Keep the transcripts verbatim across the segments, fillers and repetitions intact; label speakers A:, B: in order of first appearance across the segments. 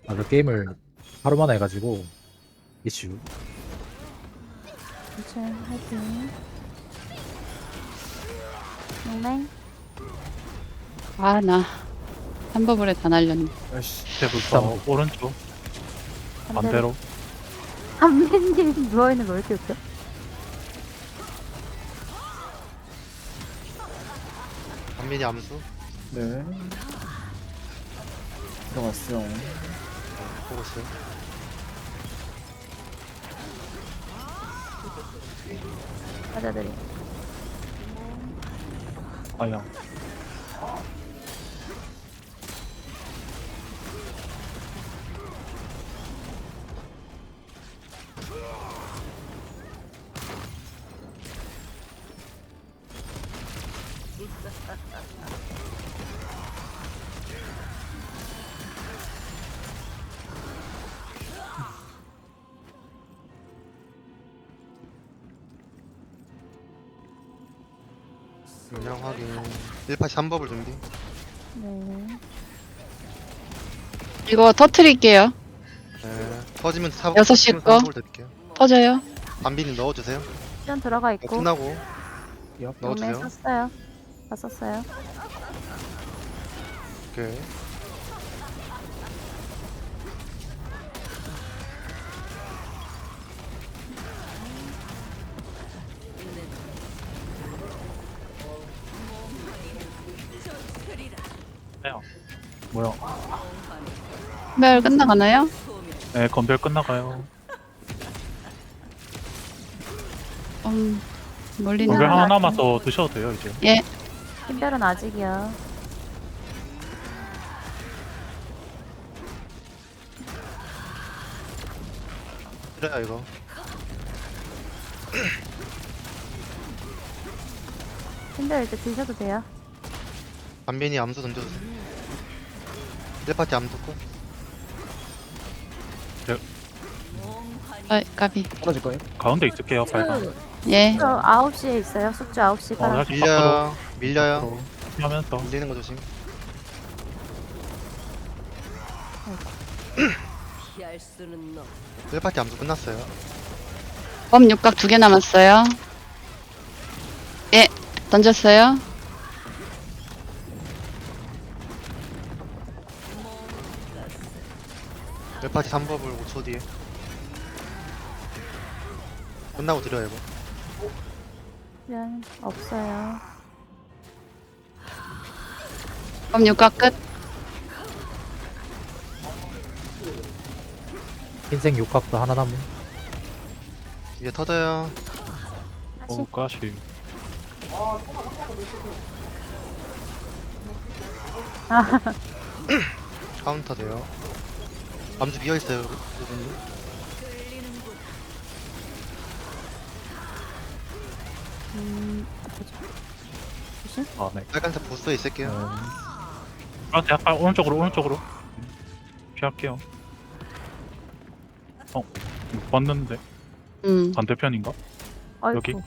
A: 아, 그 게임을 하루 만에 해가지고 이슈.
B: 이층 화이팅. 용맹.
C: 아, 나 한 버블에 다 날렸네.
D: 밑에부터 오른쪽 반대로.
B: 한민님 누워있는 거 왜 이렇게 웃겨?
E: 한민이 암수
F: 네. 들어갔어요.
E: 보고 있어요.
B: 여자들이.
D: 아야.
E: 용량 확인. 일 파티 삼 법을 준비.
B: 네.
C: 이거 터트릴게요.
E: 네. 터지면 사
C: 여섯 시
E: 터지면
C: 거.
E: 삼 법을 드릴게요.
C: 터져요.
E: 안비님 넣어주세요.
B: 시간 들어가
E: 어,
B: 있고.
E: 끝나고
B: 용맹
E: 넣어주세요.
B: 썼어요. 다 썼어요.
E: 오케이.
D: 아야. 뭐야?
C: 별 끝나가나요?
D: 네, 건별 끝나가요.
C: 음, 멀리
D: 건별
C: 나.
D: 하나 남아서 드셔도 돼요 이제.
C: 예.
B: 신별은 아직이요.
E: 그래요 이거.
B: 신별 이제 드셔도 돼요.
E: 안빈이 암수 던져주세요. 일 파티 암수 고
C: 아, 까비.
F: 떨어질 거예요?
D: 가운데 있을게요. 빨간.
C: 예.
B: 저 아홉 시에 있어요. 숙주 아홉 시
D: 어,
B: 가라.
D: 다시 밖으로
E: 밀려요. 밀려요.
D: 하면서
E: 밀리는 거 조심.
G: 피할 수는 너.
E: 일 파티 암수 끝났어요.
C: 범 육각 두 개 남았어요. 예. 던졌어요.
E: 일 파티 삼 법을 오 초 뒤에. 끝나고 드려요 이거.
B: 시간 없어요.
C: 범 육각 끝.
A: 흰색 육각도 하나 남은.
E: 위에 터져요.
B: 다시.
D: 오 가시.
E: 카운터 돼요. 암수 비어있어요 여러분들.
B: 음, 보자. 조심.
D: 아 네.
E: 빨간색 보스에 있을게요.
D: 아, 약간 오른쪽으로 오른쪽으로. 피할게요. 어, 봤는데
C: 음.
D: 반대편인가?
B: 아이고.
D: 여기?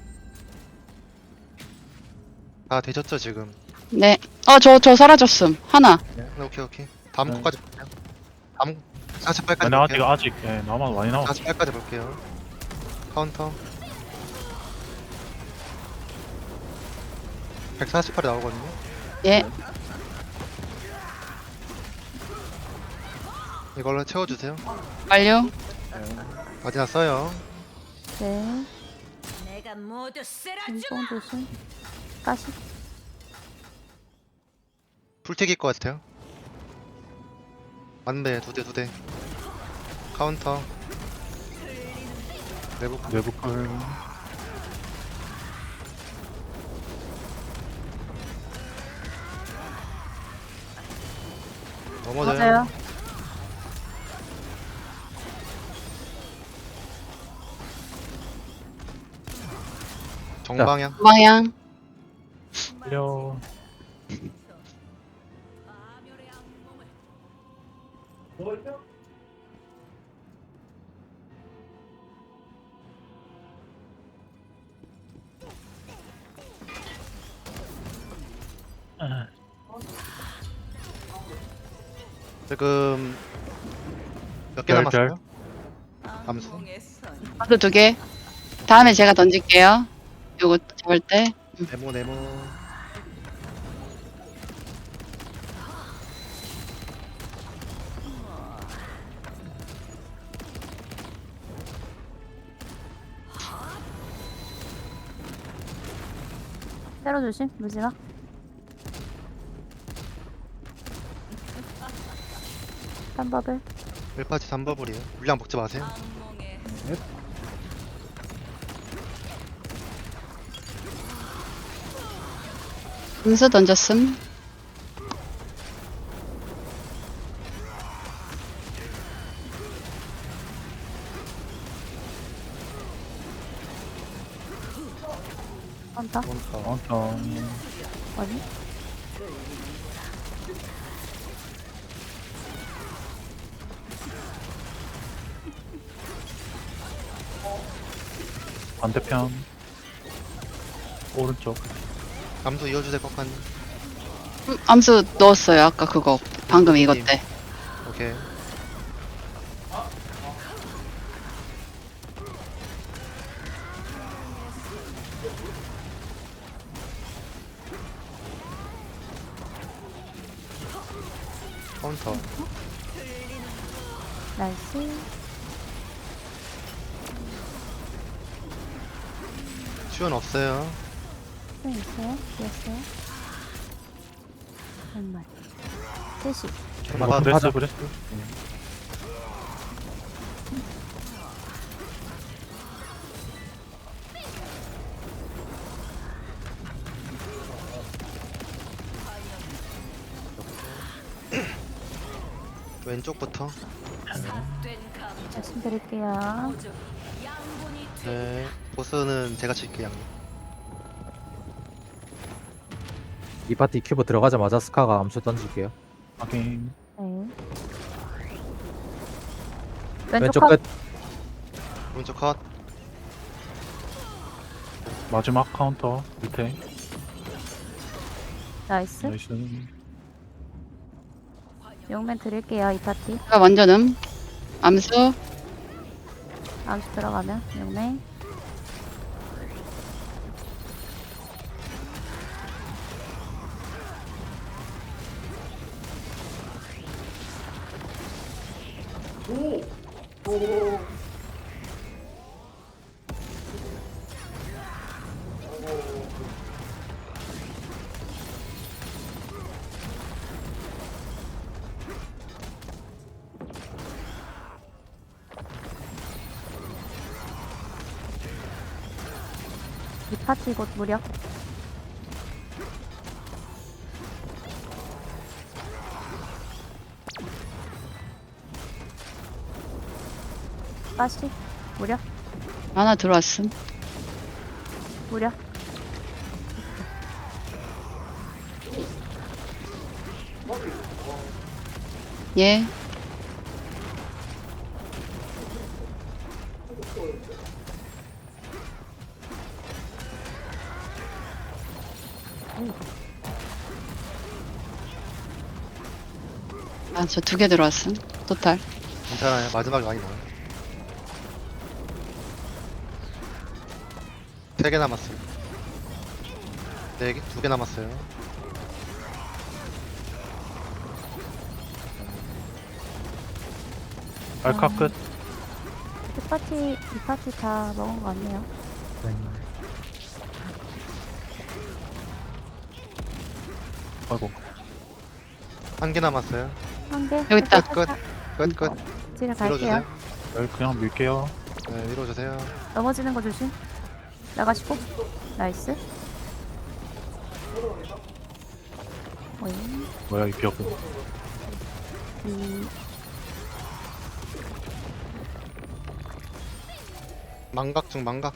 E: 다 되셨죠 지금?
C: 네. 어, 저, 저 사라졌음. 하나.
E: 네. 오케이 오케이. 다음
F: 네.
E: 코까지 볼게요. 다음 사십 팔까지
D: 아니 아직
E: 볼게요.
D: 아직 예, 남아 많이 남았어.
E: 사십 팔까지 볼게요. 카운터. 백사십팔이 나오거든요.
C: 예.
E: 이걸로 채워주세요.
C: 완료.
E: 마지막 써요.
B: 네.
G: 내가 모두 쓰러져.
B: 인공 조심. 가시.
E: 풀튀길 것 같아요. 맞네, 두 대, 두 대. 카운터. 내부
D: 내부 컬.
E: 넘어져요.
B: 맞아요.
E: 정방향.
C: 방향.
D: 끌려.
E: 지금 몇 개
D: 열,
E: 남았어요? 암수.
G: 악몽의 선.
C: 암수 두 개. 다음에 제가 던질게요. 요거 잡을 때.
E: 네모 네모.
B: 때려 조심. 무지마. 딴법을.
E: 일 파티 삼 버블이에요. 물량 먹지 마세요.
G: 악몽의
C: 암수 던졌음.
B: 한다.
D: 카운터.
B: 아니?
D: 반대편. 오른쪽.
E: 암수 이어주세요, 꺾한.
C: 음, 암수 넣었어요. 아까 그거. 방금 이것 때.
E: 오케이. 카운터.
B: 나이스.
E: 슈은 없어요.
B: 또 있어요? 됐어요? 정말. 셋이.
D: 아,
A: 맞아.
D: 그랬어, 그랬어.
E: 왼쪽부터.
G: 된 감.
B: 말씀드릴게요.
G: 오직 양분이 돼.
E: 네. 보스는 제가 칠게요.
A: 이 파티 큐브 들어가자마자 스카가 암수 던질게요.
D: 확인.
B: 네.
A: 왼쪽
B: 왼쪽
A: 끝.
B: 끝.
E: 오른쪽 컷.
D: 마지막 카운터. 밑에.
B: 나이스.
D: 나이스.
B: 용맨 드릴게요. 이 파티.
C: 제가 먼저 음. 암수.
B: 암수 들어가면 용맨. 이 파티 곧 무력. 빠시. 무력.
C: 하나 들어왔음.
B: 무력.
C: 예. 아, 저 두 개 들어왔음. 토탈.
E: 괜찮아요. 마지막에 많이 넣어요. 세 개 남았어요. 네 개, 두 개 남았어요.
D: 알카 끝.
B: 이 파티, 이 파티 다 먹은 거 같네요.
D: 아이고.
E: 한 개 남았어요.
B: 한 개.
C: 여기 있다.
E: 끝, 끝, 끝.
B: 집에 갈게요.
E: 밀어주세요.
D: 여기 그냥 밀게요.
E: 네, 밀어주세요.
B: 넘어지는 거 조심. 나가시고. 나이스. 어이.
D: 뭐야, 이 벽은.
B: 이,
E: 망각 중 망각.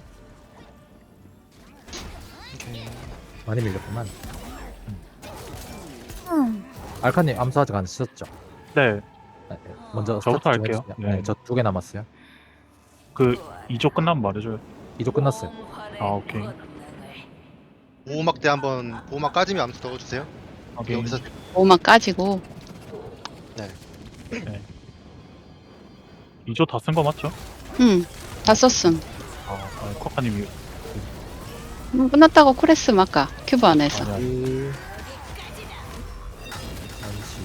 E: 오케이.
A: 많이 밀렸구만.
B: 음.
A: 알카님 암수 아직 안 쓰셨죠?
D: 네.
A: 네, 네. 먼저
D: 저부터
A: 스타트 좀
D: 할게요.
A: 해주세요.
D: 네.
A: 네, 저 두 개 남았어요.
D: 그, 이조 끝나면 말해줘요.
A: 이조 끝났어요.
D: 아, 오케이.
E: 보호막 때 한번 보호막 까지면 암수 넣어주세요.
D: 확인.
E: 여기서
C: 오만 까지고.
E: 네.
D: 네. 이 조 다 쓴 거 맞죠?
C: 응, 다 썼음.
D: 아, 아 쿼카님이
C: 음, 끝났다고 콜했음, 아까. 큐브 안에서.
D: 아니야.
A: 일. 한시.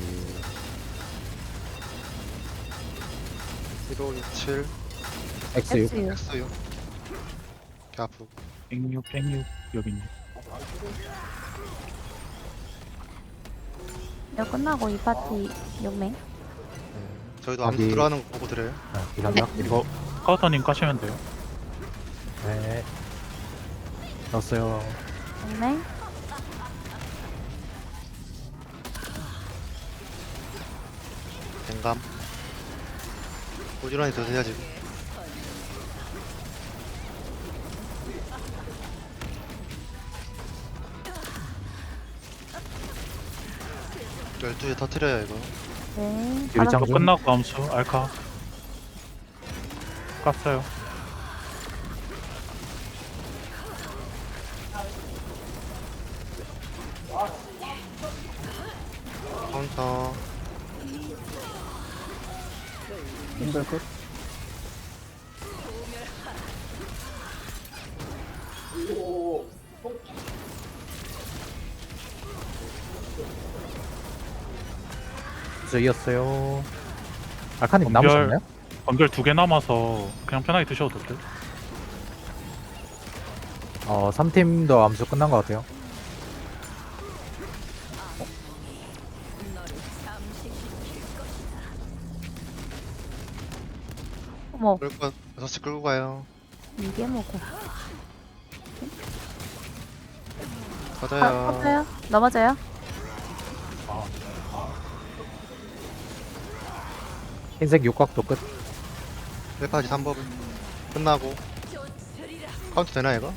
E: 일오육칠
A: X 육.
B: X 육.
E: X요. 개 아프고.
D: 백육 백육 여기 있네.
B: 이거 끝나고 이 파티 육 명.
E: 네. 저희도 암수
A: 어디?
E: 들어가는 거 보고 드려요.
A: 아, 이삼각.
D: 이거 카우터님 까시면 돼요.
A: 네. 넣었어요.
B: 육 명.
E: 댕감. 고지런히 드세요 지금. 열두 개 터트려요 이거.
B: 네.
A: 유리창
B: 바닥
D: 이거
A: 중.
D: 끝나고 암수 알카 깠어요.
E: 카운터.
A: 힘들 끝. 저 이었어요. 알카님
D: 연결.
A: 남으셨나요?
D: 연결 두 개 남아서 그냥 편하게 드셔도 될 듯.
A: 어, 삼 팀도 암수 끝난 것 같아요.
B: 어머,
E: 끌고 가- 여섯 시 끌고 가요.
B: 이게 뭐고? 아,
E: 맞아요.
B: 터져요? 넘어져요?
A: 흰색 육각도 끝.
E: 셀파지 삼 법을 끝나고 카운트 되나 이거?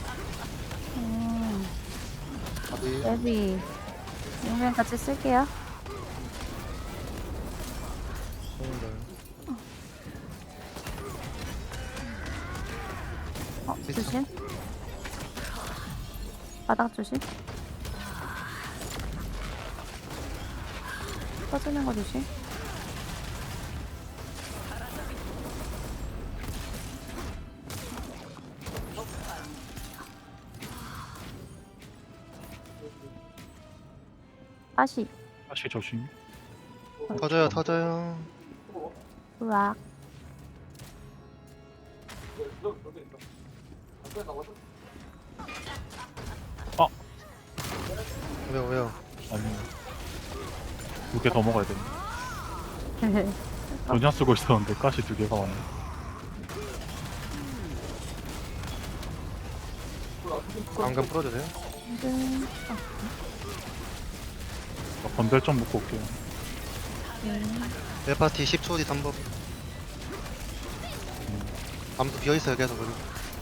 B: 음,
E: 어디?
B: 여기 육 명 같이 쓸게요.
E: 손들.
B: 어,
E: 있어.
B: 조심. 바닥 조심. 터지는 거 조심. 다시.
D: 다시 조심.
E: 터져요 터져요.
B: 으악.
E: 왜요 왜요?
D: 아니 두 개 더 먹어야 돼. 전혀 쓰고 있었는데 가시 두 개가 왔네.
E: 방금 풀어주세요.
B: 음,
D: 나 건별 좀 묶고 올게요.
E: 셀파티 십 초 뒤 삼 법. 아무도 비어있어요 계속 여기.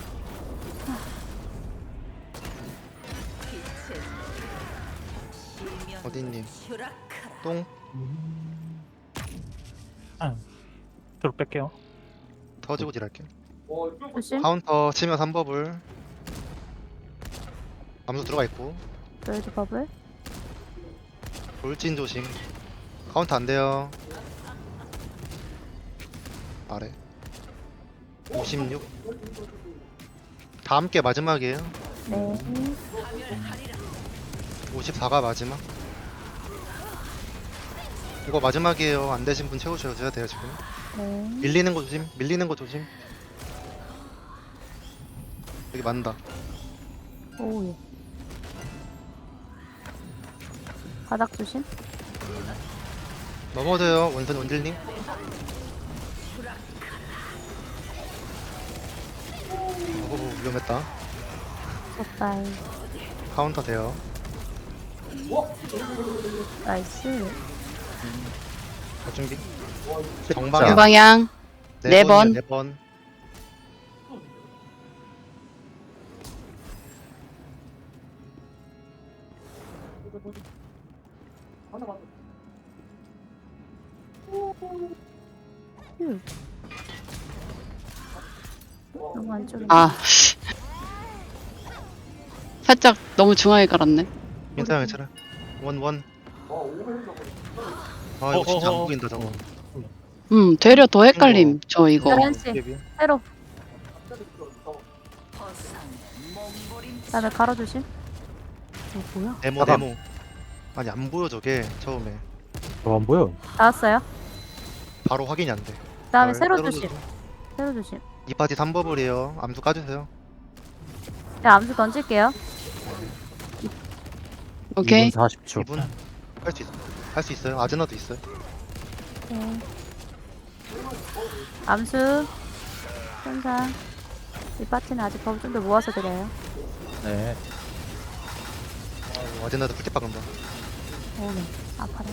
E: 어디님? 똥?
D: 아, 들어 뺄게요.
E: 터지고 딜할게.
B: 조심.
E: 카운터 치면 삼 법을. 암수 들어가 있고.
B: 로이드 버블.
E: 돌진 조심. 카운트 안 돼요. 아래. 오십육. 다 함께 마지막이에요.
B: 네.
E: 오십사가 마지막. 이거 마지막이에요. 안 되신 분 채우셔야 돼요 지금.
B: 네.
E: 밀리는 거 조심. 밀리는 거 조심. 여기 맞는다.
B: 오, 예. 바닥 조심.
E: 넘어져요. 원선 원딜님. 오 위험했다.
B: 굿바이.
E: 카운터 돼요.
B: 나이스.
E: 자, 준비.
A: 자.
E: 정방향.
C: 두 방향. 네 번.
E: 네 번.
B: 휴. 너무 안쪽에.
C: 아. 살짝 너무 중앙에 깔았네.
E: 괜찮아 괜찮아. 원 원. 아 이거
D: 어,
E: 진짜
D: 어,
E: 안
D: 어.
E: 보인다 저거.
C: 음, 되려 더 헷갈림. 저 이거.
B: 열한 시
E: 데뷔.
B: 새로.
G: 허상의 몸부림
B: 그다음에 가로 조심. 어 뭐야?
E: 데모
A: 잠깐.
E: 데모. 아니 안 보여 저게 처음에.
A: 저 안 보여.
B: 나왔어요.
E: 바로 확인이 안 돼.
B: 그다음에
E: 잘
B: 세로
E: 세로
B: 조심. 세로 조심.
E: 이 파티 삼 버블이에요. 암수 까주세요.
B: 자 암수 던질게요.
C: 오케이.
A: 이 분 사십 초.
E: 이 분 할 수 있어. 할 수 있어요. 아즈나도 있어요.
B: 네. 암수. 천상. 이 파티는 아직 버블 좀 더 모아서 드려요.
A: 네.
E: 어, 아즈나도 풀팁 박은다.
B: 오네. 아파라.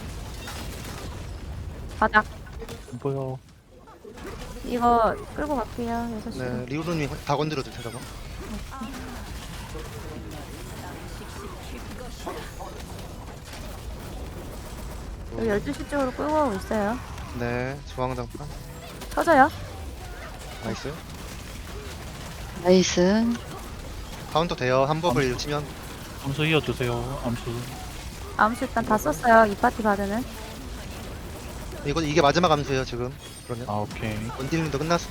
B: 바닥.
D: 안 보여.
B: 이거 끌고 갈게요. 여섯 시.
E: 네, 리우루님 다 건드려도 돼요. 저거.
B: 여기 열두 시 쪽으로 끌고 가고 있어요.
E: 네, 중앙장판.
B: 터져요.
E: 나이스.
C: 나이스.
E: 카운터 돼요. 한 버블 치면.
D: 암수 이어주세요. 암수.
B: 암수 일단 다 썼어요. 이 파티 바드는.
E: 이거 이게 마지막 암수예요 지금. 그러면
D: 아, 오케이.
E: 원딜님도 끝났어.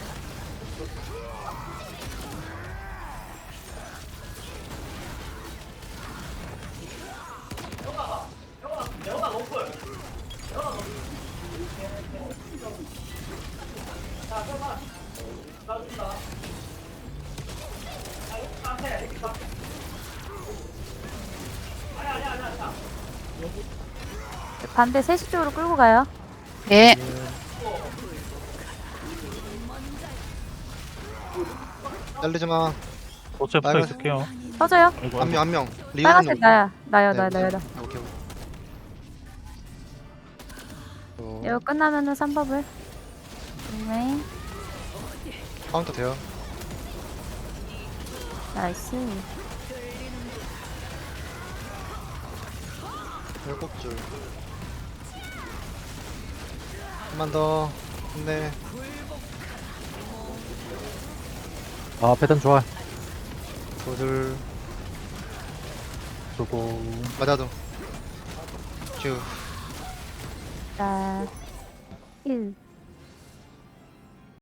B: 반대 세 시 쪽으로 끌고 가요.
C: 네.
E: 잘리지 마.
D: 도체 붙어
E: 빨간-
D: 있을게요.
B: 터져요.
D: 아이고,
E: 한 명 한 명. 리우루님.
B: 빨간색 나야. 나요,
E: 네,
B: 나요, 나요, 나.
E: 오케이. 오케이. 어,
B: 이거 끝나면은 삼 버블. 네.
E: 카운터 돼요.
B: 나이스.
E: 일곱 줄. 한 번 더. 네.
A: 아 패턴 좋아.
E: 두 줄.
D: 저거.
E: 맞아도. 큐.
B: 자, 일.